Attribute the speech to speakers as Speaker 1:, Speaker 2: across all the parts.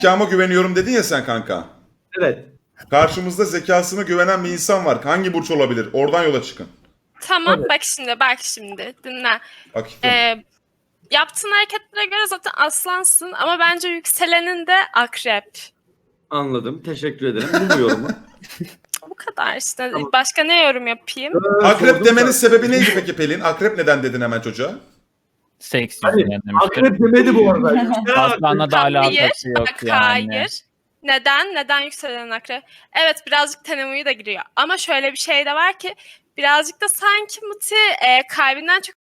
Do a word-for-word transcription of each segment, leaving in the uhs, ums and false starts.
Speaker 1: zekama güveniyorum dedin ya sen kanka.
Speaker 2: Evet.
Speaker 1: Karşımızda zekasına güvenen bir insan var. Hangi burç olabilir? Oradan yola çıkın.
Speaker 3: Tamam
Speaker 2: Evet.
Speaker 3: bak şimdi bak şimdi dinle.
Speaker 1: Akif'im.
Speaker 3: Ee, yaptığın hareketlere göre zaten aslansın ama bence yükselenin de akrep.
Speaker 2: Anladım. Teşekkür ederim. Bu mu yorumu?
Speaker 3: Bu kadar işte.
Speaker 2: Tamam.
Speaker 3: Başka ne yorum yapayım?
Speaker 2: Ee,
Speaker 1: Akrep
Speaker 2: sordum
Speaker 1: demenin
Speaker 2: da-
Speaker 1: sebebi neydi peki Pelin? Akrep neden dedin hemen çocuğa?
Speaker 4: Seks
Speaker 2: Hani
Speaker 4: yüzünden demiştir.
Speaker 2: akrep demedi bu arada.
Speaker 4: Aslanla da
Speaker 3: Hayır,
Speaker 4: alakası yok
Speaker 3: bak
Speaker 4: yani.
Speaker 3: hayır. Neden? Neden yükselen akrep? Evet birazcık tenemuyu da giriyor. Ama şöyle bir şey de var ki birazcık da sanki Muti e, kalbinden çok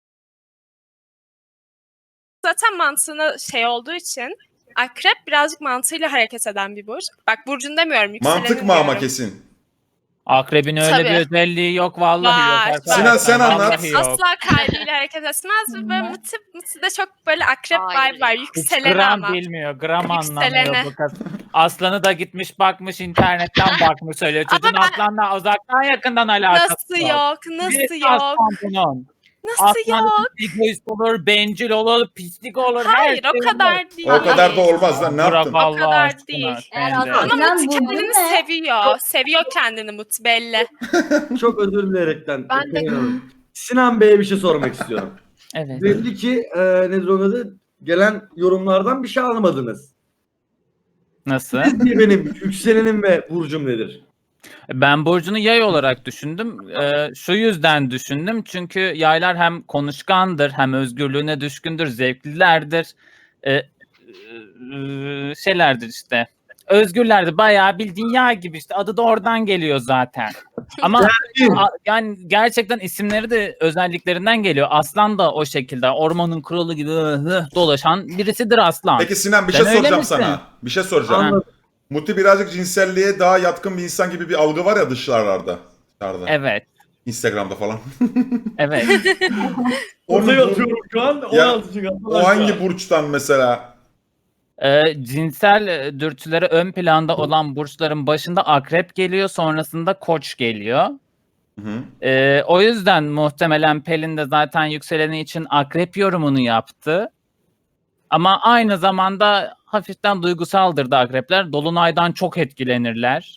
Speaker 3: zaten mantığına şey olduğu için akrep birazcık mantığıyla hareket eden bir burç. Bak burcun demiyorum yükselenin
Speaker 1: Mantık mı ama
Speaker 3: diyorum.
Speaker 1: kesin?
Speaker 4: Akrebin öyle
Speaker 3: Tabii.
Speaker 4: bir özelliği yok vallahi
Speaker 3: Var,
Speaker 4: yok.
Speaker 3: var.
Speaker 4: arkadaşlar,
Speaker 1: Sinan, sen
Speaker 4: vallahi
Speaker 1: anlat.
Speaker 4: yok.
Speaker 3: Asla kalbiyle hareket etmez ve böyle Muti, Muti'de çok böyle akrep
Speaker 5: Hayır.
Speaker 3: vibe var.
Speaker 4: Hiç
Speaker 3: Yükseleni
Speaker 4: gram
Speaker 3: ama.
Speaker 4: bilmiyor, gram
Speaker 3: Yükselene.
Speaker 4: anlamıyor bu kız. Aslanı da gitmiş bakmış internetten bakmış söylüyor.
Speaker 3: Ama
Speaker 4: Çocuğun
Speaker 3: ben-
Speaker 4: aslanla uzaktan yakından alakası
Speaker 3: Nasıl
Speaker 4: var.
Speaker 3: yok?
Speaker 4: Birisi
Speaker 3: Nasıl yok?
Speaker 4: aslan bunun.
Speaker 3: Nasıl
Speaker 4: Aslan
Speaker 3: yok?
Speaker 4: egoist olur, bencil olur, pislik olur.
Speaker 3: Hayır
Speaker 4: her
Speaker 3: o
Speaker 4: şey
Speaker 3: kadar değil.
Speaker 1: O kadar da olmaz lan, ne
Speaker 4: Bırak
Speaker 1: yaptın?
Speaker 4: Allah
Speaker 3: kadar
Speaker 4: aşkına
Speaker 3: değil.
Speaker 4: sen
Speaker 5: Eğer
Speaker 4: de.
Speaker 5: aslan-
Speaker 3: Ama
Speaker 5: İnan
Speaker 3: Muti
Speaker 5: burcun
Speaker 3: kendini
Speaker 5: ne?
Speaker 3: seviyor. Seviyor kendini Muti belli.
Speaker 2: Çok özür dilerekten.
Speaker 5: Ben de-
Speaker 2: Pelin Hanım. Sinan Bey'e bir şey sormak istiyorum.
Speaker 4: Evet.
Speaker 2: Belli ki e, nedir onun adı? Gelen yorumlardan bir şey almadınız.
Speaker 4: Nasıl?
Speaker 2: Sizce benim yükselenim ve burcum nedir?
Speaker 4: Ben burcunu yay olarak düşündüm. Ee, şu yüzden düşündüm. Çünkü yaylar hem konuşkandır, hem özgürlüğüne düşkündür, zevklilerdir. Ee, e, şeylerdir işte. Özgürlerdir. Bayağı bildiğin yay gibi işte. Adı da oradan geliyor zaten. Ama a- yani gerçekten isimleri de özelliklerinden geliyor. Aslan da o şekilde. Ormanın kralı gibi hı hı dolaşan birisidir aslan.
Speaker 1: Peki Sinan, bir
Speaker 4: Sen
Speaker 1: şey
Speaker 4: öyle
Speaker 1: soracağım
Speaker 4: misin?
Speaker 1: sana. Bir şey soracağım.
Speaker 2: Anladım.
Speaker 1: Muti birazcık cinselliğe daha yatkın bir insan gibi bir algı var ya dışarılarda. Dışarıda.
Speaker 4: Evet.
Speaker 1: Instagram'da falan.
Speaker 4: Evet.
Speaker 2: Ortaya atıyorum şu an.
Speaker 1: Ya,
Speaker 2: on altı çıkan.
Speaker 1: O hangi burçtan mesela?
Speaker 4: Ee, cinsel e, dürtüleri ön planda olan burçların başında akrep geliyor, sonrasında koç geliyor.
Speaker 1: Hı hı.
Speaker 4: Ee, o yüzden muhtemelen Pelin de zaten yükseleni için akrep yorumunu yaptı. Ama aynı zamanda hafiften duygusaldır da akrepler. Dolunaydan çok etkilenirler.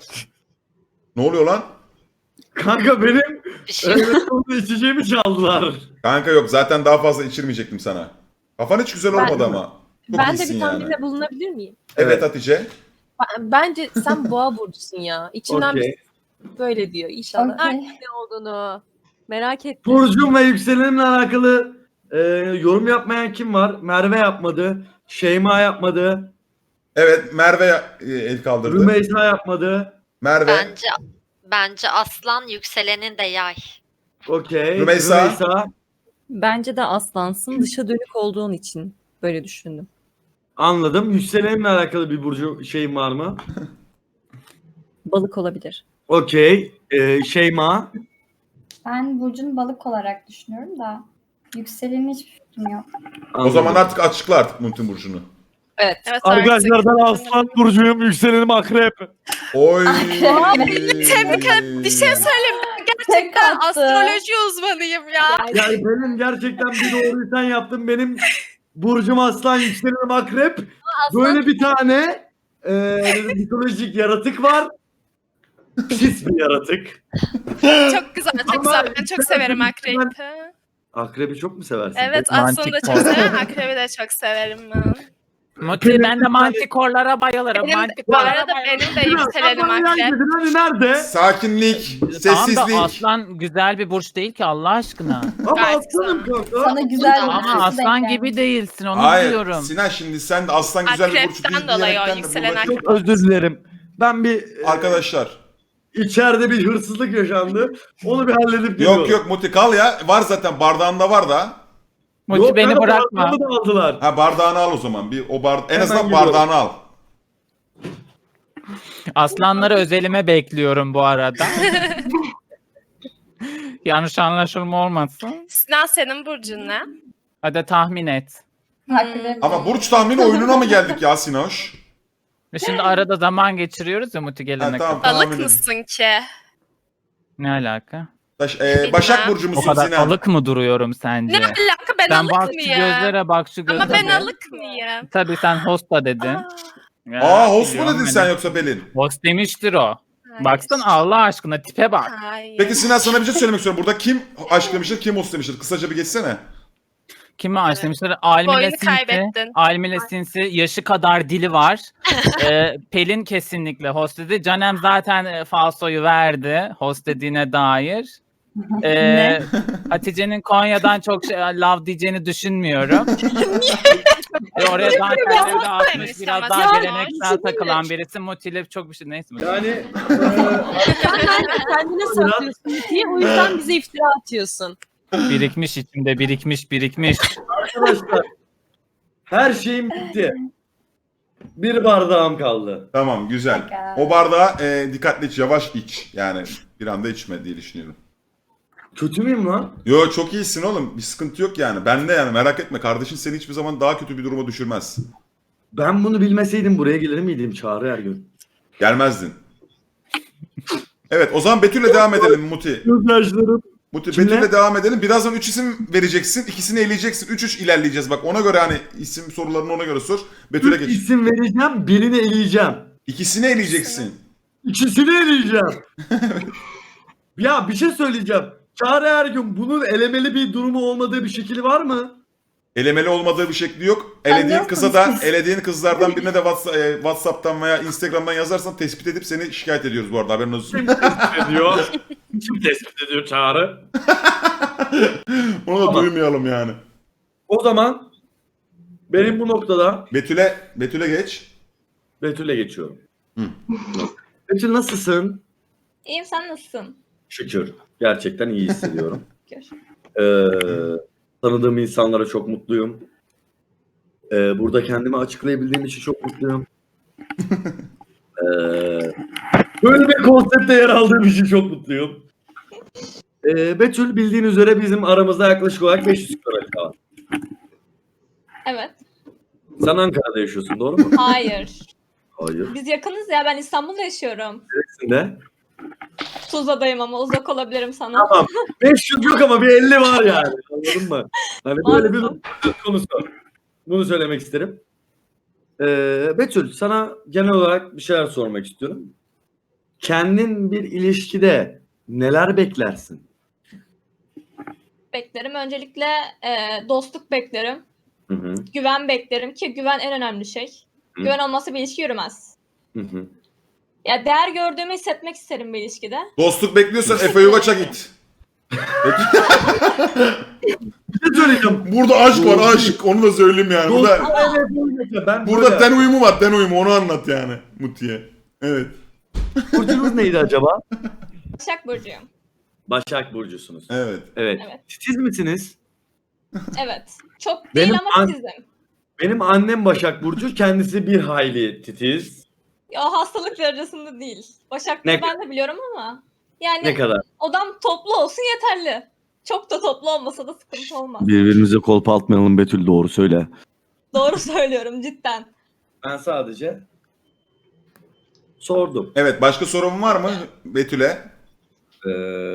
Speaker 1: Ne oluyor lan?
Speaker 2: Kanka benim
Speaker 5: Bir şey
Speaker 2: e, içeceğimi çaldılar.
Speaker 1: Kanka yok, zaten daha fazla içirmeyecektim sana. Kafan hiç güzel
Speaker 6: Ben-
Speaker 1: olmadı ama. Çok
Speaker 6: Ben de
Speaker 1: iyisin
Speaker 6: bir
Speaker 1: yani.
Speaker 6: tahminde bulunabilir miyim?
Speaker 1: Evet Hatice.
Speaker 6: Ben- Bence sen boğa burcusun ya. İçimden
Speaker 2: Okey.
Speaker 6: bir böyle diyor inşallah.
Speaker 5: Okey.
Speaker 6: Ay, ne olduğunu merak ettim.
Speaker 2: Burcum ve yükselenimle alakalı e, yorum yapmayan kim var? Merve yapmadı. Şeyma yapmadı.
Speaker 1: Evet, Merve e, el kaldırdı.
Speaker 2: Rümeysa yapmadı.
Speaker 1: Merve.
Speaker 5: bence bence aslan yükselenin de yay.
Speaker 2: Okey.
Speaker 1: Rümeysa.
Speaker 2: Rümeysa.
Speaker 7: Bence de aslansın. Dışa dönük olduğun için böyle düşündüm.
Speaker 2: Anladım. Yükselenimle alakalı bir burcu şeyim var mı?
Speaker 7: Balık olabilir.
Speaker 2: Okey. E, Şeyma.
Speaker 8: Ben Burcu'nu balık olarak düşünüyorum da yükselenin hiçbir fikrim yok.
Speaker 1: O zaman artık açıkla artık Muti burcunu.
Speaker 6: Evet.
Speaker 3: Evet,
Speaker 2: Arkadaşlar
Speaker 3: artık-
Speaker 2: ben aslan burcuyum. Yükselenim akrep.
Speaker 1: Oy.
Speaker 3: Tebrik ederim. Bir şey söyleyeyim. Ben gerçekten
Speaker 8: attı.
Speaker 3: astroloji uzmanıyım ya.
Speaker 2: Yani benim gerçekten bir doğruyu sen yaptın. Benim burcum aslan, yükselenim akrep. Böyle bir tane e, mitolojik yaratık var. Pis bir yaratık.
Speaker 3: Çok güzel, çok
Speaker 2: Ama
Speaker 3: güzel. Ben çok
Speaker 2: ben-
Speaker 3: severim akrepi.
Speaker 2: Akrebi çok mu seversin?
Speaker 3: Evet,
Speaker 4: Mantik
Speaker 3: aslanı da çok
Speaker 4: kol.
Speaker 3: severim. Akrebi de çok severim ben.
Speaker 4: Muti, ben de mantikorlara bayılırım.
Speaker 3: Benim, bu
Speaker 4: mantikorlara
Speaker 3: arada
Speaker 4: bayılırım.
Speaker 3: benim de yükselenim akrep.
Speaker 2: Hani nerede?
Speaker 1: Sakinlik,
Speaker 4: Tamam da
Speaker 1: sessizlik.
Speaker 4: aslan güzel bir burç değil ki Allah aşkına.
Speaker 2: Ama
Speaker 3: Gayet
Speaker 2: aslanım kanka.
Speaker 8: Sana güzel bir
Speaker 4: Ama
Speaker 8: sesi
Speaker 4: aslan
Speaker 8: denk
Speaker 4: gibi
Speaker 8: gelmiş.
Speaker 4: değilsin onu
Speaker 1: Hayır
Speaker 4: diyorum.
Speaker 1: Sinan, şimdi sen de aslan güzel bir burç değil
Speaker 3: Akrepten dolayı o
Speaker 1: diyerekten de
Speaker 3: yükselen
Speaker 1: burada-
Speaker 3: akrep.
Speaker 2: Çok özür dilerim. Ben bir e,
Speaker 1: Arkadaşlar.
Speaker 2: içeride bir hırsızlık yaşandı. Onu bir halledip geliyorum.
Speaker 1: Yok yok Muti kal ya. Var zaten, bardağında var da.
Speaker 4: Muti
Speaker 2: Yok,
Speaker 4: beni
Speaker 2: kanka,
Speaker 4: bırakma.
Speaker 2: bardağımı da aldılar.
Speaker 1: Ha, bardağını al o zaman. Bir o bar en
Speaker 2: Hemen
Speaker 1: azından
Speaker 2: geliyorum.
Speaker 1: bardağını al.
Speaker 4: Aslanları özelime bekliyorum bu arada. Yanlış anlaşılma olmasın.
Speaker 3: Sinan senin burcun ne?
Speaker 4: Hadi tahmin et.
Speaker 8: Akrep.
Speaker 1: Ama burç tahmini oyununa mı geldik ya Sinoş?
Speaker 4: Ve şimdi arada zaman geçiriyoruz ya Muti
Speaker 1: Ha,
Speaker 4: gelene
Speaker 1: tamam
Speaker 4: kadar.
Speaker 3: Balık
Speaker 1: tahmin edin.
Speaker 3: mısın ki?
Speaker 4: Ne alaka?
Speaker 1: Baş- e, Başak Burcu
Speaker 4: O
Speaker 1: musun
Speaker 4: kadar
Speaker 1: Sinan?
Speaker 4: alık mı duruyorum sence?
Speaker 3: Ne alaka ben
Speaker 4: Sen
Speaker 3: alık
Speaker 4: bak şu
Speaker 3: mıyım?
Speaker 4: gözlere bak şu gözlere.
Speaker 3: Ama ben alık mıyım?
Speaker 4: Tabii sen hosta dedin.
Speaker 3: Aa,
Speaker 4: Ya,
Speaker 1: Aa host mu
Speaker 4: biliyorum
Speaker 1: dedin
Speaker 4: hani.
Speaker 1: sen yoksa Pelin?
Speaker 4: Host demiştir o.
Speaker 3: Hayır.
Speaker 4: Baksana Allah aşkına tipe bak.
Speaker 3: Hayır.
Speaker 1: Peki Sinan sana bir şey söylemek istiyorum. Burada kim aşk demiştir, kim host demiştir? Kısaca bir geçsene.
Speaker 4: Kimi aç demişler? Almile
Speaker 3: Boyunu
Speaker 4: Sinsi.
Speaker 3: kaybettin.
Speaker 4: Almile Sinsi. Yaşı kadar dili var. ee, Pelin kesinlikle host dedi. Canem zaten e, falsoyu verdi. Host dediğine dair. Ee,
Speaker 7: Ne?
Speaker 4: Hatice'nin Konya'dan çok şey, love diyeceğini düşünmüyorum. Ve oraya zaten
Speaker 3: Biraz
Speaker 4: evde atmış
Speaker 3: demiş
Speaker 4: biraz
Speaker 3: ama
Speaker 4: daha
Speaker 3: ya,
Speaker 4: geleneksel takılan birisi. Motive çok bir şey neyse.
Speaker 2: Yani e,
Speaker 6: Sen bence kendine saklıyorsun diye o yüzden bize iftira atıyorsun.
Speaker 4: Birikmiş içimde birikmiş birikmiş.
Speaker 2: arkadaşlar her şeyim bitti. Bir bardağım kaldı.
Speaker 1: Tamam güzel. O bardağı e, dikkatli iç, yavaş iç. Yani bir anda içme diye düşünüyorum.
Speaker 2: Kötü müyüm lan?
Speaker 1: Yo çok iyisin oğlum. Bir sıkıntı yok yani. Ben de yani merak etme. Kardeşin seni hiçbir zaman daha kötü bir duruma düşürmez.
Speaker 2: Ben bunu bilmeseydim buraya gelir miydim Çağrı Ergün?
Speaker 1: Gelmezdin. Evet o zaman Betül'le devam edelim Muti.
Speaker 2: Gözyaşlarım.
Speaker 1: Muti
Speaker 2: Kimle?
Speaker 1: Betül'le devam edelim. Birazdan üç isim vereceksin. İkisini eleyeceksin. üç üç ilerleyeceğiz. Bak ona göre hani isim sorularını ona göre sor. Betül'e
Speaker 2: Üç
Speaker 1: geç.
Speaker 2: isim vereceğim, birini eleyeceğim.
Speaker 1: İkisini eleyeceksin.
Speaker 2: İkisini eleyeceğim. Ya bir şey söyleyeceğim. Çağrı Ergün bunun elemeli bir durumu olmadığı bir şekli var mı?
Speaker 1: Elemeli olmadığı bir şekli yok. Elediğin
Speaker 8: Anlıyor
Speaker 1: kıza da,
Speaker 8: musunuz?
Speaker 1: elediğin kızlardan birine de Whats- e, WhatsApp'tan veya Instagram'dan yazarsan tespit edip seni şikayet ediyoruz bu arada haberin olsun.
Speaker 2: Kim tespit ediyor? Kim tespit ediyor Çağrı?
Speaker 1: Onu da
Speaker 2: Tamam.
Speaker 1: duymayalım yani.
Speaker 2: O zaman benim bu noktada
Speaker 1: Betül'e Betül'e geç.
Speaker 2: Betül'e geçiyorum.
Speaker 1: Hı.
Speaker 2: Betül nasılsın?
Speaker 8: İyiyim, sen nasılsın?
Speaker 2: Şükür. Gerçekten iyi hissediyorum.
Speaker 8: Şükür.
Speaker 2: Ee, tanıdığım insanlara çok mutluyum. Ee, burada kendimi açıklayabildiğim için çok mutluyum. Ee, böyle bir konsepte yer aldığım için çok mutluyum. Ee, Betül bildiğin üzere bizim aramızda yaklaşık olarak beş yüz kilometre var.
Speaker 8: Evet.
Speaker 2: Sen Ankara'da yaşıyorsun doğru mu?
Speaker 8: Hayır.
Speaker 2: Hayır.
Speaker 8: Biz yakınız ya, ben İstanbul'da yaşıyorum.
Speaker 2: Neresinde?
Speaker 8: Tuzla'dayım ama uzak olabilirim sana.
Speaker 2: Tamam. beş yüz yok ama bir elli var yani. Anladın mı? Hani böyle bir
Speaker 8: Anladım.
Speaker 2: söz konusu. Bunu söylemek isterim. Ee, Betül sana genel olarak bir şeyler sormak istiyorum. Kendin bir ilişkide neler beklersin?
Speaker 8: Beklerim. Öncelikle e, dostluk beklerim.
Speaker 2: Hı hı.
Speaker 8: Güven beklerim ki güven en önemli şey.
Speaker 2: Hı.
Speaker 8: Güven olmasa bir ilişki yürümez.
Speaker 2: Hı hı.
Speaker 8: Ya değer gördüğümü hissetmek isterim bir ilişkide.
Speaker 1: Dostluk bekliyorsan Efe Yuvaç'a git.
Speaker 2: Bir şey söyleyeceğim.
Speaker 1: Burada aşk var aşk. Onu da söyleyeyim yani. Burada,
Speaker 2: Dostluk evet, evet. Ben
Speaker 1: burada
Speaker 2: böyle-
Speaker 1: ten uyumu var ten uyumu. Onu anlat yani Muti'ye. Evet.
Speaker 2: Burcunuz neydi acaba?
Speaker 8: Başak Burcu'yum.
Speaker 2: Başak Burcusunuz.
Speaker 1: Evet.
Speaker 2: Evet.
Speaker 8: Evet.
Speaker 2: Titiz misiniz?
Speaker 8: Evet. Çok değil
Speaker 2: Benim
Speaker 8: ama
Speaker 2: an-
Speaker 8: titizim.
Speaker 2: Benim annem Başak Burcu. Kendisi bir hayli titiz.
Speaker 8: Ya hastalık derecesinde değil. Başak
Speaker 2: Ne-
Speaker 8: ben de biliyorum ama. Yani
Speaker 2: Ne kadar?
Speaker 8: odam toplu olsun yeterli. Çok da toplu olmasa da sıkıntı olmaz.
Speaker 2: Birbirimize kolpa atmayalım Betül, doğru söyle.
Speaker 8: Doğru söylüyorum cidden.
Speaker 2: Ben sadece sordum.
Speaker 1: Evet başka sorun var mı Betül'e?
Speaker 2: Ee,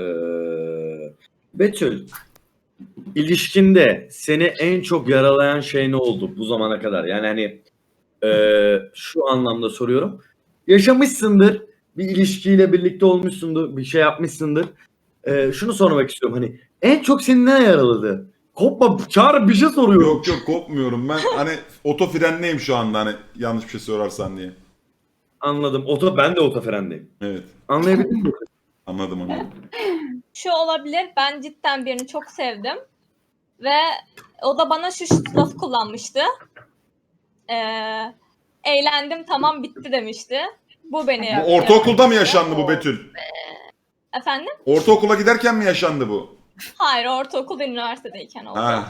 Speaker 2: Betül, ilişkinde seni en çok yaralayan şey ne oldu bu zamana kadar? Yani hani ee, şu anlamda soruyorum. Yaşamışsındır, bir ilişkiyle birlikte olmuşsundur, bir şey yapmışsındır. Ee, şunu sormak istiyorum, hani en çok seni ne yaraladı? Kopma, Çağrı bir şey soruyorum.
Speaker 1: Yok yok kopmuyorum. Ben hani otofrenleyim şu anda hani yanlış bir şey sorarsan diye.
Speaker 2: Anladım. Oto, ben de otofrendeyim.
Speaker 1: Evet.
Speaker 2: Anlayabildin mi?
Speaker 1: Anladım anladım.
Speaker 8: Şu olabilir, ben cidden birini çok sevdim. Ve o da bana şu lafı kullanmıştı. Ee, eğlendim tamam bitti demişti. Bu beni
Speaker 1: Bu
Speaker 8: yaktı.
Speaker 1: ortaokulda mı yaşandı bu Betül?
Speaker 8: Efendim?
Speaker 1: Ortaokula giderken mi yaşandı bu?
Speaker 8: Hayır, ortaokul ve üniversitedeyken oldu.
Speaker 1: Ha.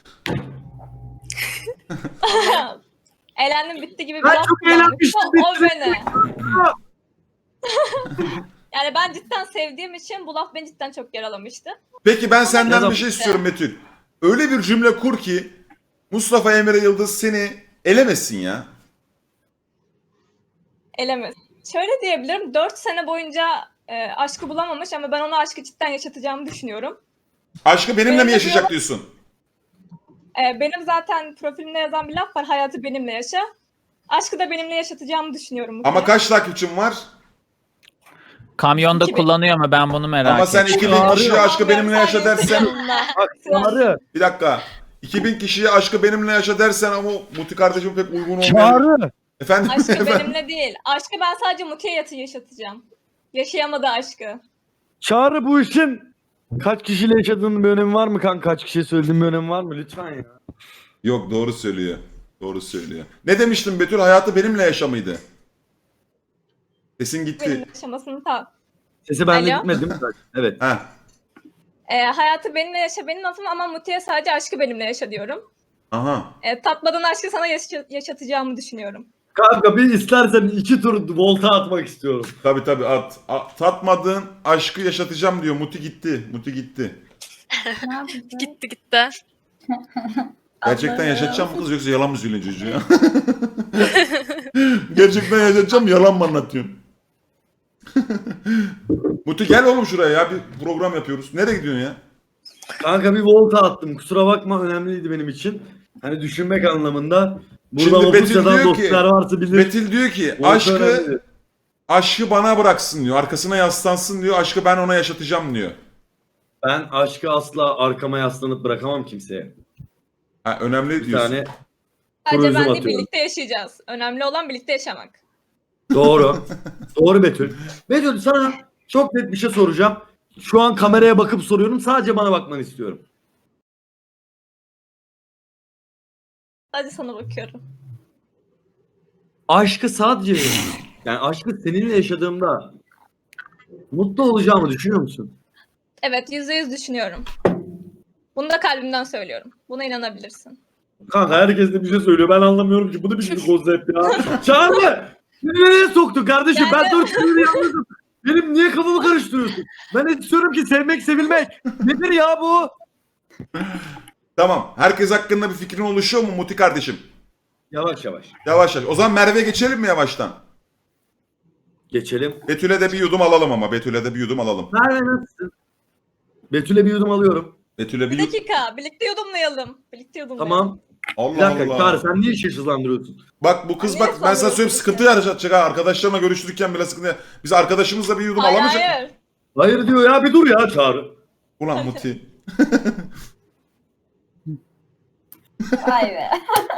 Speaker 8: Eğlendim bitti gibi bir
Speaker 2: Ben
Speaker 8: laf
Speaker 2: çok
Speaker 8: kullanmıştı.
Speaker 2: eğlenmiştim,
Speaker 8: O
Speaker 2: bitti.
Speaker 8: beni. Yani ben cidden sevdiğim için bu laf beni cidden çok yaralamıştı.
Speaker 1: Peki ben senden
Speaker 2: Yazam-
Speaker 1: bir şey istiyorum Betül. Öyle bir cümle kur ki Mustafa Emre Yıldız seni elemesin ya.
Speaker 8: Elemez. Şöyle diyebilirim, dört sene boyunca e, aşkı bulamamış ama ben ona aşkı cidden yaşatacağımı düşünüyorum.
Speaker 1: Aşkı benimle
Speaker 8: Benim
Speaker 1: mi
Speaker 8: de
Speaker 1: yaşayacak
Speaker 8: diyorum-
Speaker 1: diyorsun?
Speaker 8: E, benim zaten profilimde yazan bir laf var, hayatı benimle yaşa. Aşkı da benimle yaşatacağımı düşünüyorum. Muti'ye.
Speaker 1: Ama kaç takipçin var?
Speaker 4: Kamyonda
Speaker 8: iki bin.
Speaker 4: kullanıyor mu? Ben bunu merak
Speaker 1: Ama sen
Speaker 4: ettim.
Speaker 1: iki bin kişiye aşkı benimle yaşa dersen...
Speaker 2: Bak Çağrı.
Speaker 1: Bir dakika. iki bin kişiye aşkı benimle yaşa dersen ama Muti kardeşim pek uygun olmuyor.
Speaker 2: Çağrı.
Speaker 1: Efendim?
Speaker 8: Aşkı
Speaker 1: efendim?
Speaker 8: benimle değil. Aşkı ben sadece Muti'ye yatı yaşatacağım. Yaşayamadı aşkı.
Speaker 2: Çağrı bu işin kaç kişiyle yaşadığının bir önemi var mı kanka? Kaç kişiye söylediğin bir önemi var mı? Lütfen ya.
Speaker 1: Yok doğru söylüyor. Doğru söylüyor. Ne demiştin Betül? Hayatı benimle yaşamıydı. Sesin gitti.
Speaker 8: Benimle yaşamasını ta.
Speaker 2: Sesi bende
Speaker 8: Alo?
Speaker 2: gitmedi değil mi? Evet.
Speaker 1: Heh.
Speaker 8: Ee, hayatı benimle yaşa benim lafım ama Muti'ye sadece aşkı benimle yaşa diyorum.
Speaker 1: Aha.
Speaker 8: Ee, tatmadan aşkı sana yaşa- yaşatacağımı düşünüyorum.
Speaker 2: Kanka bir istersen iki tur volta atmak istiyorum.
Speaker 1: Tabii tabii at. A- tatmadığın aşkı yaşatacağım diyor. Muti gitti. Muti gitti.
Speaker 6: Ne yapacağız?
Speaker 3: Gitti gitti.
Speaker 1: Gerçekten yaşatacağım mı kız yoksa yalan mı söylüyorsun çocuğa ya? Gerçekten yaşatacağım mı yalan mı anlatıyorsun? Muti gel oğlum şuraya ya bir program yapıyoruz. Nereye gidiyorsun ya?
Speaker 2: Kanka bir volta attım. Kusura bakma önemliydi benim için. Hani düşünmek anlamında. Burada
Speaker 1: Şimdi Betül
Speaker 2: Opusya'dan
Speaker 1: diyor ki-
Speaker 2: dostlar varsa bilir.
Speaker 1: Betül diyor ki
Speaker 2: Volta
Speaker 1: aşkı
Speaker 2: önemli.
Speaker 1: aşkı bana bıraksın diyor. Arkasına yaslansın diyor. Aşkı ben ona yaşatacağım diyor.
Speaker 2: Ben aşkı asla arkama yaslanıp bırakamam kimseye.
Speaker 1: Ha, önemli
Speaker 2: Bir
Speaker 1: diyorsun.
Speaker 2: tane
Speaker 8: Sadece
Speaker 2: Turizm
Speaker 8: ben de
Speaker 2: atıyorum.
Speaker 8: birlikte yaşayacağız. Önemli olan birlikte yaşamak.
Speaker 2: doğru. Doğru Betül. Betül sana çok net bir şey soracağım. Şu an kameraya bakıp soruyorum. Sadece bana bakmanı istiyorum.
Speaker 8: Sadece sana bakıyorum.
Speaker 2: Aşkı sadece yani aşkı seninle yaşadığımda mutlu olacağımı düşünüyor musun?
Speaker 8: Evet, yüzde yüz düşünüyorum. Bunu da kalbimden söylüyorum. Buna inanabilirsin.
Speaker 2: Kanka herkes de bir şey söylüyor. Ben anlamıyorum ki. Bu da bir şey konsept ya. Çağrı! Beni nereye soktun kardeşim? Ben
Speaker 8: Yani-
Speaker 2: dört yıldır yalnızım. Benim niye kafamı karıştırıyorsun? Ben istiyorum ki sevmek sevilmek. Nedir ya bu?
Speaker 1: Tamam. Herkes hakkında bir fikrin oluşuyor mu Muti kardeşim?
Speaker 2: Yavaş yavaş.
Speaker 1: Yavaş yavaş. O zaman Merve'ye geçelim mi yavaştan?
Speaker 2: Geçelim.
Speaker 1: Betül'e de bir yudum alalım ama. Betül'e de bir yudum alalım.
Speaker 2: Merve nasılsın? Betül'e bir yudum alıyorum.
Speaker 1: Betül'e bir
Speaker 8: Bir
Speaker 1: yudum.
Speaker 8: dakika, birlikte yudumlayalım. Birlikte yudumlayalım.
Speaker 2: Tamam. Bir
Speaker 1: Allah
Speaker 2: dakika
Speaker 1: Allah.
Speaker 2: Çağrı sen niye işi hızlandırıyorsun?
Speaker 1: Bak bu kız
Speaker 8: Niye
Speaker 1: bak ben sana
Speaker 8: sanıyorsun
Speaker 1: söyleyeyim
Speaker 8: ki?
Speaker 1: sıkıntı yaratacak ha. Arkadaşlarımla görüştürürken bile sıkıntı. Biz arkadaşımızla bir yudum
Speaker 8: Hayır,
Speaker 1: alamayacak.
Speaker 8: hayır.
Speaker 2: Hayır diyor ya bir dur ya Çağrı.
Speaker 1: Ulan Muti.
Speaker 6: Vay be.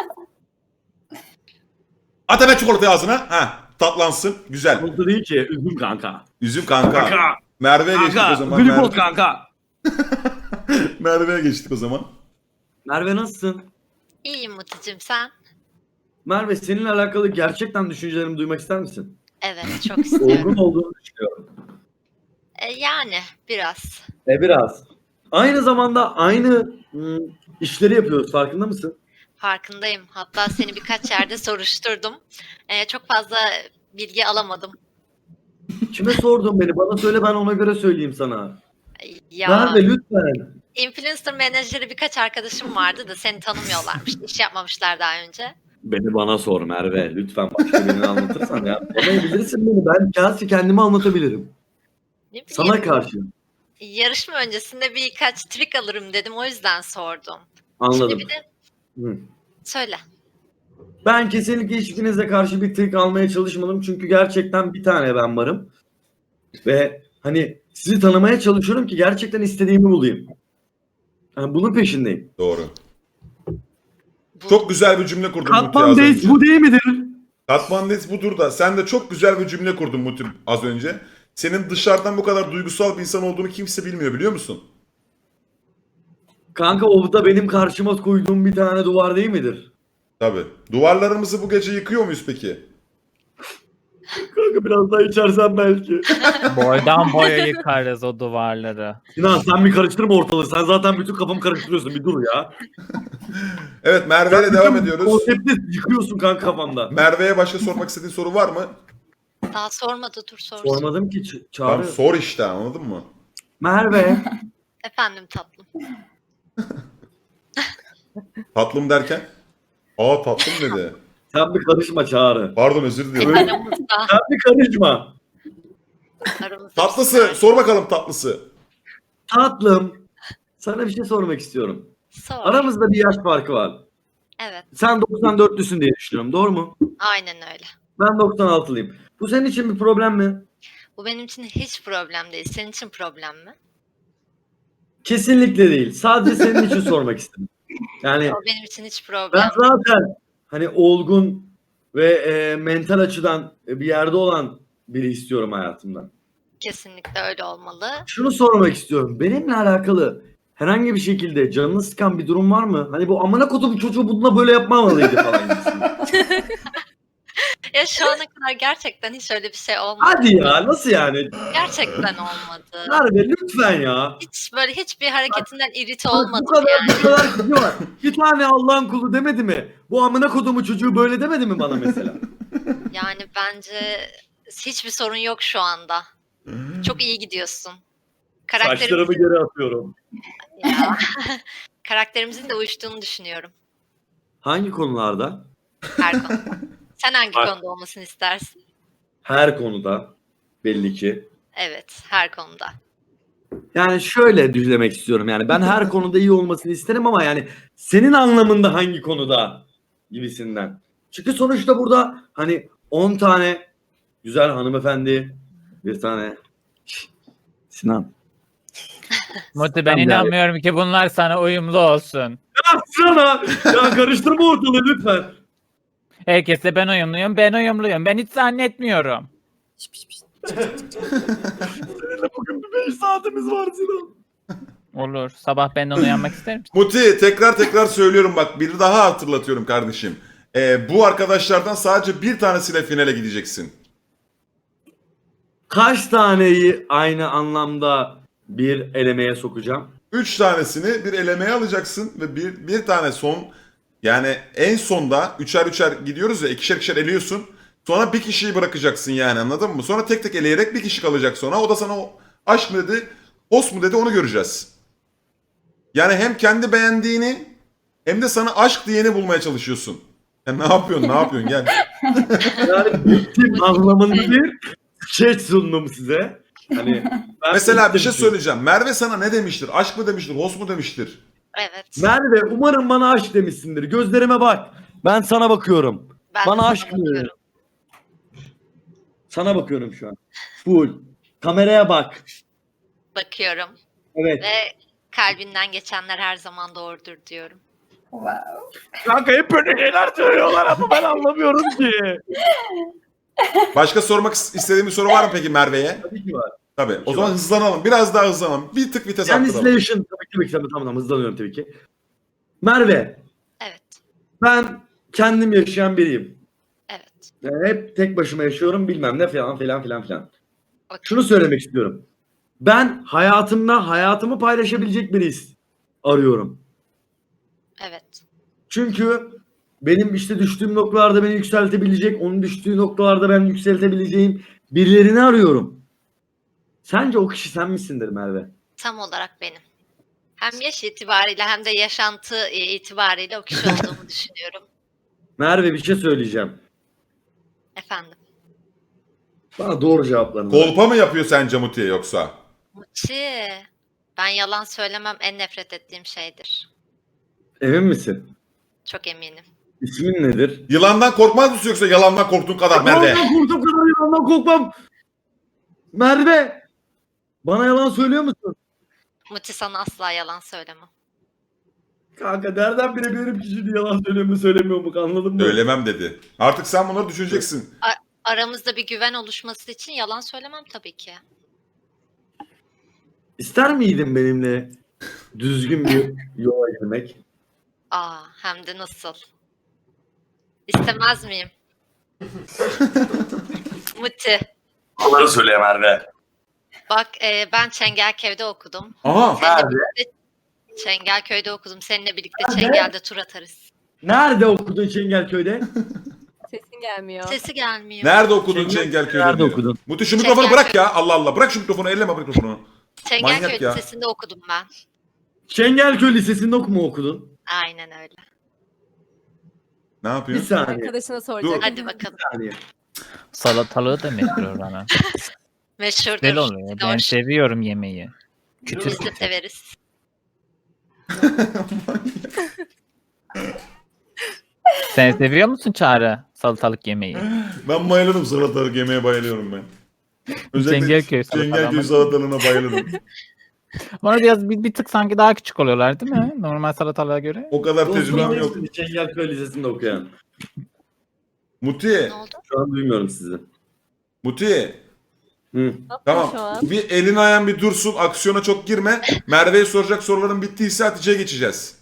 Speaker 1: At hemen çikolatayı ağzına. Ha, tatlansın. Güzel.
Speaker 2: Oldu değil ki üzüm kanka.
Speaker 1: Üzüm kanka.
Speaker 2: Kanka.
Speaker 1: Merve'ye geçtik o
Speaker 2: Kanka.
Speaker 1: zaman.
Speaker 2: Glikoz
Speaker 1: Merve-
Speaker 2: kanka.
Speaker 1: Merve'ye geçtik o zaman.
Speaker 2: Merve nasılsın?
Speaker 5: İyiyim Muti'cim sen?
Speaker 2: Merve seninle alakalı gerçekten düşüncelerimi duymak ister misin?
Speaker 5: Evet çok istiyorum.
Speaker 2: Olgun olduğunu düşünüyorum.
Speaker 5: E, yani biraz.
Speaker 2: E biraz. Aynı zamanda aynı ım, işleri yapıyoruz farkında mısın?
Speaker 5: Farkındayım. Hatta seni birkaç yerde soruşturdum. E, çok fazla bilgi alamadım.
Speaker 2: Kime sordun beni? Bana söyle ben ona göre söyleyeyim sana.
Speaker 5: Ya
Speaker 2: Merve lütfen.
Speaker 5: influencer menajeri birkaç arkadaşım vardı da seni tanımıyorlarmış. İş yapmamışlar daha önce.
Speaker 2: Beni bana sor Merve. Lütfen başka birini anlatırsan ya. Anlayabilirsin beni. Ben gerçi kendimi anlatabilirim.
Speaker 5: Ne bileyim,
Speaker 2: Sana karşı.
Speaker 5: yarışma öncesinde birkaç trik alırım dedim. O yüzden sordum.
Speaker 2: Anladım.
Speaker 5: Şimdi bir de
Speaker 2: Hı.
Speaker 5: söyle.
Speaker 2: Ben kesinlikle hiçbirinize karşı bir trik almaya çalışmadım. Çünkü gerçekten bir tane ben varım. Ve hani sizi tanımaya çalışıyorum ki gerçekten istediğimi bulayım. Yani bunun peşindeyim.
Speaker 1: Doğru.
Speaker 5: Bu,
Speaker 1: Çok güzel bir cümle kurdun Muti az
Speaker 2: Katman
Speaker 1: önce.
Speaker 2: Days bu değil midir?
Speaker 1: Katman Days budur da sen de çok güzel bir cümle kurdun Muti az önce. Senin dışarıdan bu kadar duygusal bir insan olduğunu kimse bilmiyor biliyor musun?
Speaker 2: Kanka o da benim karşıma koyduğum bir tane duvar değil midir?
Speaker 1: Tabii. Duvarlarımızı bu gece yıkıyor muyuz peki?
Speaker 2: Kanka biraz daha içersen belki.
Speaker 4: Boydan boya yıkarız o duvarları.
Speaker 2: Sinan sen bir karıştırma ortalığı. Sen zaten bütün kafamı karıştırıyorsun. Bir dur ya.
Speaker 1: Evet Merve ile
Speaker 2: Sen
Speaker 1: devam
Speaker 2: bütün
Speaker 1: ediyoruz.
Speaker 2: Konsepti yıkıyorsun kanka kafamda.
Speaker 1: Merve'ye başka sormak istediğin soru var mı?
Speaker 5: daha sormadı dur sorsun.
Speaker 2: Sormadım ki Ç-
Speaker 1: Tamam
Speaker 2: Çağrı.
Speaker 1: sor işte anladın mı?
Speaker 2: Merve.
Speaker 5: Efendim tatlım.
Speaker 1: Tatlım derken? Aa tatlım dedi.
Speaker 2: Sen bir karışma Çağrı.
Speaker 1: Pardon özür diliyorum.
Speaker 5: Aramızda.
Speaker 2: Sen bir karışma.
Speaker 5: aramızda
Speaker 1: Tatlısı sor bakalım tatlısı.
Speaker 2: Tatlım. Sana bir şey sormak istiyorum.
Speaker 5: Sor.
Speaker 2: Aramızda bir yaş farkı var.
Speaker 5: Evet.
Speaker 2: Sen doksan dörtlüsün diye düşünüyorum. Doğru mu?
Speaker 5: Aynen öyle.
Speaker 2: Ben doksan altılıyım. Bu senin için bir problem mi?
Speaker 5: Bu benim için hiç problem değil. Senin için problem mi?
Speaker 2: Kesinlikle değil. Sadece senin için sormak istedim. Yani
Speaker 5: O benim için hiç
Speaker 2: ben
Speaker 5: problem değil.
Speaker 2: zaten hani olgun ve e, mental açıdan bir yerde olan biri istiyorum hayatımda.
Speaker 5: Kesinlikle öyle olmalı.
Speaker 2: Şunu sormak istiyorum. Benimle alakalı herhangi bir şekilde canını sıkan bir durum var mı? Hani bu amına kodum çocuğu bununla böyle yapmamalıydı falan gibisinden.
Speaker 5: Ya şu ana kadar gerçekten hiç öyle bir şey olmadı.
Speaker 2: Hadi ya, nasıl yani?
Speaker 5: Gerçekten olmadı.
Speaker 2: Merve lütfen ya.
Speaker 5: Hiç böyle hiçbir hareketinden irite
Speaker 2: Bak, bu
Speaker 5: olmadım
Speaker 2: kadar
Speaker 5: yani.
Speaker 2: bu kadar kişi var. Bir tane Allah'ın kulu demedi mi? Bu amına kodumu çocuğu böyle demedi mi bana mesela?
Speaker 5: Yani bence hiçbir sorun yok şu anda. Çok iyi gidiyorsun.
Speaker 2: Saçlarımı
Speaker 5: Karakterimizin,
Speaker 2: geri atıyorum.
Speaker 5: ya. Karakterimizin de uyuştuğunu düşünüyorum
Speaker 2: Hangi konularda?
Speaker 5: her konuda. Sen hangi
Speaker 2: Bak.
Speaker 5: konuda olmasını istersin?
Speaker 2: Her konuda belli ki.
Speaker 5: Evet, her konuda.
Speaker 2: Yani şöyle düzlemek istiyorum. Yani ben her konuda iyi olmasını isterim ama yani senin anlamında hangi konuda gibisinden. Çünkü sonuçta burada hani on tane güzel hanımefendi, bir tane Şşş, Sinan.
Speaker 4: Muti ben
Speaker 2: Sen de-
Speaker 4: inanmıyorum ki bunlar sana uyumlu olsun.
Speaker 2: Sana ya karıştırma ortalığı lütfen.
Speaker 4: Herkese ben uyumluyum, ben uyumluyum. Ben hiç zannetmiyorum.
Speaker 7: Piş, piş, piş.
Speaker 2: Seninle bugün bir beş saatimiz var Sinan.
Speaker 4: Olur. Sabah benden uyanmak ister misin?
Speaker 1: Muti tekrar tekrar söylüyorum bak bir daha hatırlatıyorum kardeşim. Ee, bu arkadaşlardan sadece bir tanesiyle finale gideceksin.
Speaker 2: Kaç taneyi aynı anlamda bir elemeye sokacağım?
Speaker 1: Üç tanesini bir elemeye alacaksın ve bir, bir tane son yani en sonda üçer üçer gidiyoruz ya ikişer ikişer eliyorsun. Sonra bir kişiyi bırakacaksın yani anladın mı? Sonra tek tek eleyerek bir kişi kalacak sonra. O da sana o aşk mı dedi, os mu dedi onu göreceğiz. Yani hem kendi beğendiğini hem de sana aşk diyeni bulmaya çalışıyorsun. Ya ne yapıyorsun ne yapıyorsun gel.
Speaker 2: Yani bittim anlamında bir skeç sundum size. Hani ben
Speaker 1: Mesela bir
Speaker 2: bittim
Speaker 1: şey
Speaker 2: ki.
Speaker 1: söyleyeceğim. Merve sana ne demiştir? Aşk mı demiştir, os mu demiştir?
Speaker 5: Evet.
Speaker 2: Merve umarım bana aşk demişsindir. Gözlerime bak. Ben sana bakıyorum.
Speaker 5: Ben
Speaker 2: bana
Speaker 5: de sana
Speaker 2: aşk mı?
Speaker 5: bakıyorum.
Speaker 2: Sana bakıyorum şu an. Full. Kameraya bak.
Speaker 5: Bakıyorum.
Speaker 2: Evet.
Speaker 5: Ve kalbinden geçenler her zaman doğrudur diyorum.
Speaker 2: Kanka hep böyle şeyler söylüyorlar ama ben anlamıyorum ki.
Speaker 1: Başka sormak is- istediğin bir soru var mı peki Merve'ye?
Speaker 2: Tabii ki var.
Speaker 1: Tabii. O
Speaker 2: Ki
Speaker 1: zaman
Speaker 2: var.
Speaker 1: hızlanalım. Biraz daha hızlanalım. Bir tık vites arttıralım.
Speaker 2: Translation. Tabii ki tabii ki tamam tamam hızlanıyorum tabii ki. Merve
Speaker 5: Evet.
Speaker 2: ben kendim yaşayan biriyim.
Speaker 5: Evet.
Speaker 2: Yani hep tek başıma yaşıyorum bilmem ne falan filan filan filan.
Speaker 5: Okey.
Speaker 2: Şunu söylemek istiyorum. Ben hayatımda hayatımı paylaşabilecek biri arıyorum.
Speaker 5: Evet.
Speaker 2: Çünkü benim işte düştüğüm noktalarda beni yükseltebilecek, onun düştüğü noktalarda ben yükseltebileceğim birilerini arıyorum. Sence o kişi sen misindir Merve?
Speaker 5: Tam olarak benim. Hem yaş itibariyle hem de yaşantı e, itibariyle o kişi olduğumu düşünüyorum.
Speaker 2: Merve bir şey söyleyeceğim.
Speaker 5: Efendim.
Speaker 2: Bana doğru cevaplarını ver.
Speaker 1: Kolpa mı yapıyor sence Muti'ye yoksa?
Speaker 5: Muçi. Ben yalan söylemem en nefret ettiğim şeydir.
Speaker 2: Emin misin?
Speaker 5: Çok eminim.
Speaker 2: İsmin nedir?
Speaker 1: Yılandan korkmaz mısın yoksa yalandan korktuğun kadar Merve?
Speaker 2: Yalandan korktuğum kadar yalandan korkmam. Merve! Bana yalan söylüyor musun?
Speaker 5: Muçi sana asla yalan söylemem.
Speaker 2: Kanka nereden bilebilirim ki şimdi yalan söylüyor mu söylemiyor mu anladın mı?
Speaker 1: Söylemem dedi. Artık sen bunları düşüneceksin.
Speaker 5: Aramızda bir güven oluşması için yalan söylemem tabii ki.
Speaker 2: İster miydin benimle düzgün bir yola girmek?
Speaker 5: Aa, hem de nasıl? İstemez miyim? Muti.
Speaker 2: Onları söyle Merve.
Speaker 5: Bak e, ben Çengelköy'de okudum.
Speaker 1: Aha.
Speaker 5: Seninle birlikte Çengelköy'de okudum. Seninle birlikte Çengel'de tur atarız.
Speaker 2: Nerede okudun Çengelköy'de?
Speaker 7: Sesin gelmiyor.
Speaker 5: Sesi gelmiyor.
Speaker 1: Nerede okudun
Speaker 2: Çengel-
Speaker 1: Çengelköy'de
Speaker 2: Nerede
Speaker 1: diyor.
Speaker 2: okudun?
Speaker 1: Muti şu mikrofonu
Speaker 5: Çengelköy-
Speaker 1: bırak ya. Allah Allah. Bırak şu mikrofonu. Elleme mikrofonu. Manyak
Speaker 5: Çengelköy
Speaker 1: ya.
Speaker 5: Lisesi'nde okudum ben.
Speaker 2: Çengelköy Lisesi'nde mu okudun?
Speaker 5: Aynen öyle.
Speaker 1: Ne
Speaker 2: Bir
Speaker 1: yapıyorsun?
Speaker 2: saniye.
Speaker 7: Arkadaşına soracak.
Speaker 5: Hadi bakalım.
Speaker 2: Bir saniye.
Speaker 4: Salatalığı da meşhur oranın.
Speaker 5: Meşhurdur.
Speaker 4: Güzel oluyor. Ben
Speaker 5: Hoş.
Speaker 4: seviyorum yemeği. Kütür
Speaker 5: Biz de
Speaker 4: kütür.
Speaker 5: severiz.
Speaker 4: Sen seviyor musun Çağrı salatalık yemeği?
Speaker 1: Ben bayılırım salatalık yemeye bayılıyorum ben. Özellikle
Speaker 4: Çengelköy
Speaker 1: Çengelköy
Speaker 4: salatalığı.
Speaker 1: salatalığına bayılırım.
Speaker 4: Bana biraz bir, bir tık sanki daha küçük oluyorlar değil mi? Normal salatalığa göre.
Speaker 1: O kadar tecrübem yok.
Speaker 2: Çengelköy Lisesi'nde okuyan.
Speaker 1: Muti,
Speaker 5: Ne oldu?
Speaker 2: Şu an duymuyorum sizi.
Speaker 1: Muti.
Speaker 2: Hı.
Speaker 1: Tamam.
Speaker 7: Şu an.
Speaker 1: Bir elin ayağın bir dursun. Aksiyona çok girme. Merve'ye soracak soruların bittiyse Hatice'ye geçeceğiz.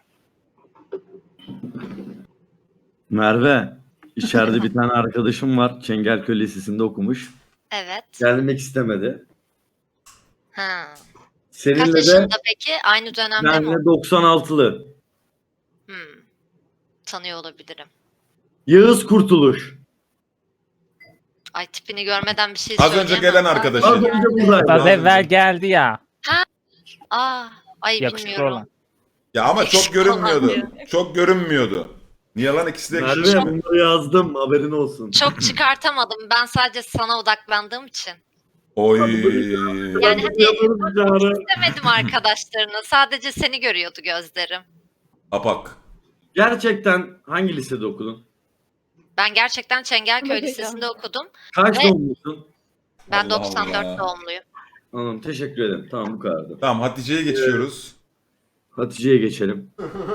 Speaker 2: Merve, içeride bir tane arkadaşım var. Çengelköy Lisesi'nde okumuş.
Speaker 5: Evet.
Speaker 2: Gelmek istemedi.
Speaker 5: Ha. Kaç
Speaker 2: Seninle de
Speaker 5: yaşında peki? Aynı dönemde mi?
Speaker 2: benle doksan altılı.
Speaker 5: Hmm. Tanıyor olabilirim.
Speaker 2: Yağız Kurtuluş.
Speaker 5: Ay tipini görmeden bir şey
Speaker 1: Az önce
Speaker 5: söyleyemem.
Speaker 1: gelen
Speaker 5: Ben-
Speaker 1: arkadaşı.
Speaker 2: Az önce buradaydı.
Speaker 4: Az evvel geldi ya.
Speaker 5: Aa, ay
Speaker 4: Yakışıklı
Speaker 5: bilmiyorum.
Speaker 4: olan.
Speaker 1: Ya ama çok görünmüyordu.
Speaker 5: Falan
Speaker 1: Çok görünmüyordu. Niye lan ikisi de
Speaker 2: Merve
Speaker 1: yakışıklı.
Speaker 2: bunları yazdım, haberin olsun.
Speaker 5: Çok çıkartamadım. Ben sadece sana odaklandığım için.
Speaker 1: Oy.
Speaker 5: Yani hani istemedim arkadaşlarını. Sadece seni görüyordu gözlerim.
Speaker 1: Apak.
Speaker 2: Gerçekten hangi lisede okudun?
Speaker 5: Ben gerçekten Çengelköy
Speaker 6: Bakacağım.
Speaker 5: Lisesi'nde okudum.
Speaker 2: Kaç
Speaker 5: Ve-
Speaker 2: doğumlusun?
Speaker 5: Ben
Speaker 1: Allah
Speaker 5: doksan dört
Speaker 1: Allah.
Speaker 5: doğumluyum.
Speaker 2: Anladım, teşekkür ederim. Tamam, bu kadardı.
Speaker 1: Tamam Hatice'ye geçiyoruz.
Speaker 2: Hatice'ye geçelim.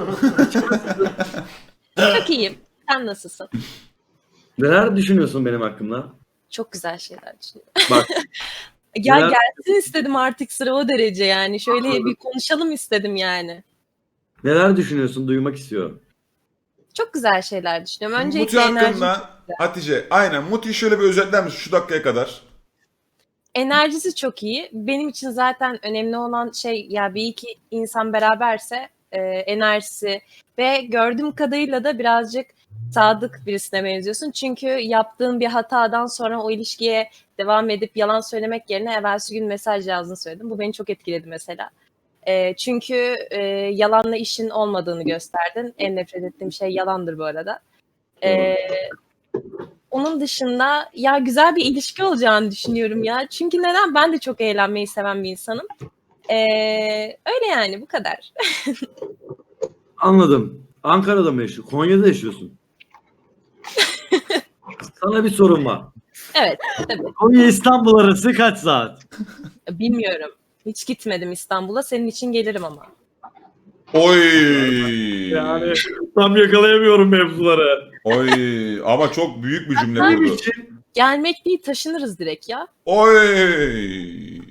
Speaker 6: Çok iyiyim. Sen nasılsın?
Speaker 2: Neler düşünüyorsun benim hakkımda?
Speaker 6: Çok güzel şeyler düşünüyorum.
Speaker 2: Bak,
Speaker 6: Ya
Speaker 2: Neler-
Speaker 6: gelsin istedim artık sıra o derece yani. Şöyle bir konuşalım istedim yani.
Speaker 2: neler düşünüyorsun? Duymak istiyorum.
Speaker 6: Çok güzel şeyler düşünüyorum.
Speaker 1: Muti
Speaker 6: Öncelikle enerji,
Speaker 1: hakkında Hatice aynen Muti'yi şöyle bir özetler misin şu dakikaya kadar?
Speaker 6: enerjisi çok iyi. Benim için zaten önemli olan şey ya bir iki insan beraberse e, enerjisi ve gördüğüm kadarıyla da birazcık sadık birisine benziyorsun. Çünkü yaptığın bir hatadan sonra o ilişkiye devam edip yalan söylemek yerine evvelsi gün mesaj yazdığını söyledim. Bu beni çok etkiledi mesela. E, çünkü e, yalanla işin olmadığını gösterdin. En nefret ettiğim şey yalandır bu arada. E, onun dışında ya güzel bir ilişki olacağını düşünüyorum ya. Çünkü neden? Ben de çok eğlenmeyi seven bir insanım. E, öyle yani bu kadar.
Speaker 2: Anladım. Ankara'da mı yaşıyorsun? Konya'da yaşıyorsun. Sana bir sorum var.
Speaker 6: Evet tabii.
Speaker 2: Konya İstanbul arası kaç saat?
Speaker 6: Bilmiyorum. Hiç gitmedim İstanbul'a. Senin için gelirim ama.
Speaker 1: Oy.
Speaker 2: Yani tam yakalayamıyorum mevzuları.
Speaker 1: Oy. Ama çok büyük bir cümle
Speaker 2: Benim
Speaker 1: kurdu.
Speaker 2: için
Speaker 6: Gelmek değil taşınırız direkt ya.
Speaker 1: Oy.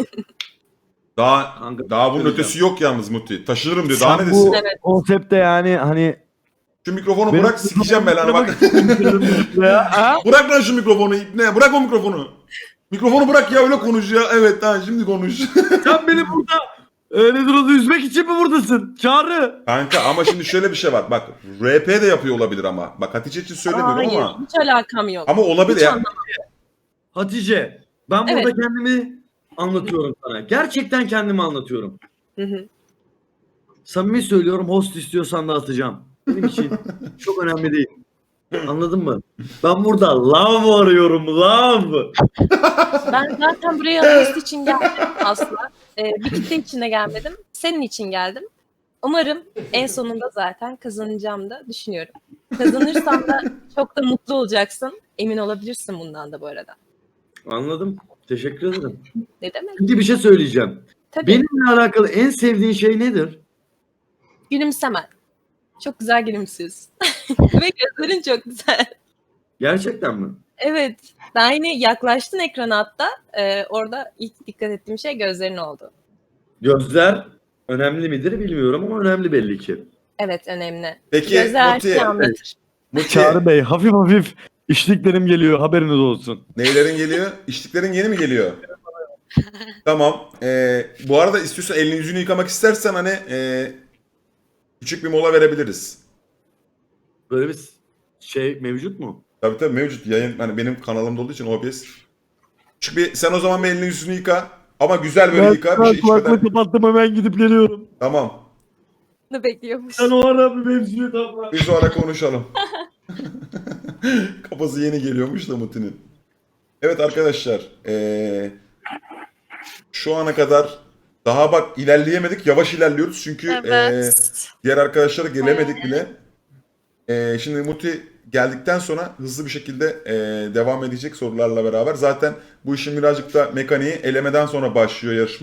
Speaker 1: Daha
Speaker 2: Kanka,
Speaker 1: daha bunun
Speaker 2: söyleyeceğim.
Speaker 1: ötesi yok yalnız Muti. Taşınırım diyor. Daha ne
Speaker 9: Sen
Speaker 1: desin?
Speaker 9: bu
Speaker 6: Evet.
Speaker 9: konsepte yani hani
Speaker 1: Şu mikrofonu
Speaker 9: Benim-
Speaker 1: bırak sikeceğim ben lan bak.
Speaker 9: ya, ha?
Speaker 1: Bırak lan şu mikrofonu ipne. Bırak o mikrofonu. Mikrofonu bırak ya öyle konuş ya. Evet tamam şimdi konuş.
Speaker 2: Sen beni burada öyle durumda üzmek için mi buradasın? Çağrı.
Speaker 1: Kanka ama şimdi şöyle bir şey var. Bak R P de yapıyor olabilir ama. Bak Hatice için söylemiyorum
Speaker 6: Hayır
Speaker 1: ama.
Speaker 6: hiç alakam yok.
Speaker 1: Ama olabilir
Speaker 6: Hiç
Speaker 1: ya.
Speaker 6: anlamam.
Speaker 2: Hatice, ben
Speaker 6: Evet.
Speaker 2: burada kendimi anlatıyorum sana. Gerçekten kendimi anlatıyorum.
Speaker 6: Hı hı.
Speaker 2: Samimi söylüyorum, host istiyorsan da atacağım. Benim için çok önemli değil. Anladın mı? Ben burada love arıyorum, love.
Speaker 6: Ben zaten buraya host için geldim aslında. Ee, bir kitle için de gelmedim. Senin için geldim. Umarım en sonunda zaten kazanacağım da düşünüyorum. Kazanırsam da çok da mutlu olacaksın. Emin olabilirsin bundan da bu arada.
Speaker 2: Anladım. Teşekkür ederim.
Speaker 6: Ne demek?
Speaker 2: Şimdi bir şey söyleyeceğim.
Speaker 6: Tabii.
Speaker 2: Benimle alakalı en sevdiğin şey nedir?
Speaker 6: Gülümsemen. Çok güzel gülümsüyorsun. Ve gözlerin çok güzel.
Speaker 2: Gerçekten mi?
Speaker 6: Evet. Daha yine yaklaştın ekrana hatta. Ee, orada ilk dikkat ettiğim şey gözlerin oldu.
Speaker 2: Gözler önemli midir bilmiyorum ama önemli belli ki.
Speaker 6: Evet önemli.
Speaker 1: Peki
Speaker 6: Gözler her
Speaker 1: Muti.
Speaker 6: şeyi anlatır.
Speaker 1: Muti.
Speaker 9: Çağrı Bey hafif hafif işliklerim geliyor haberiniz olsun.
Speaker 1: Neylerin geliyor? İçtiklerin yeni mi geliyor? Tamam. Ee, bu arada istiyorsan elini yüzünü yıkamak istersen hani ee, küçük bir mola verebiliriz.
Speaker 2: Böyle bir şey mevcut mu?
Speaker 1: Tabii tabii mevcut yayın hani benim kanalımda olduğu için O B S. Küçük bir sen o zaman bir elini yüzünü yıka. Ama güzel böyle
Speaker 9: Ben
Speaker 1: yıka bir şey
Speaker 9: kulaklığı
Speaker 1: içmeden.
Speaker 9: kapattım hemen gidip geliyorum.
Speaker 1: Tamam.
Speaker 6: Ne bekliyormuş.
Speaker 2: Sen o ara bir mevzuyu tamam.
Speaker 1: Biz o ara konuşalım. Kafası yeni geliyormuş da Muti'nin. Evet arkadaşlar. ee, şu ana kadar daha bak ilerleyemedik. Yavaş ilerliyoruz çünkü ee,
Speaker 3: Evet.
Speaker 1: diğer arkadaşlara gelemedik bile. Ee, şimdi Muti geldikten sonra hızlı bir şekilde e, devam edecek sorularla beraber. Zaten bu işin birazcık da mekaniği elemeden sonra başlıyor yarışma.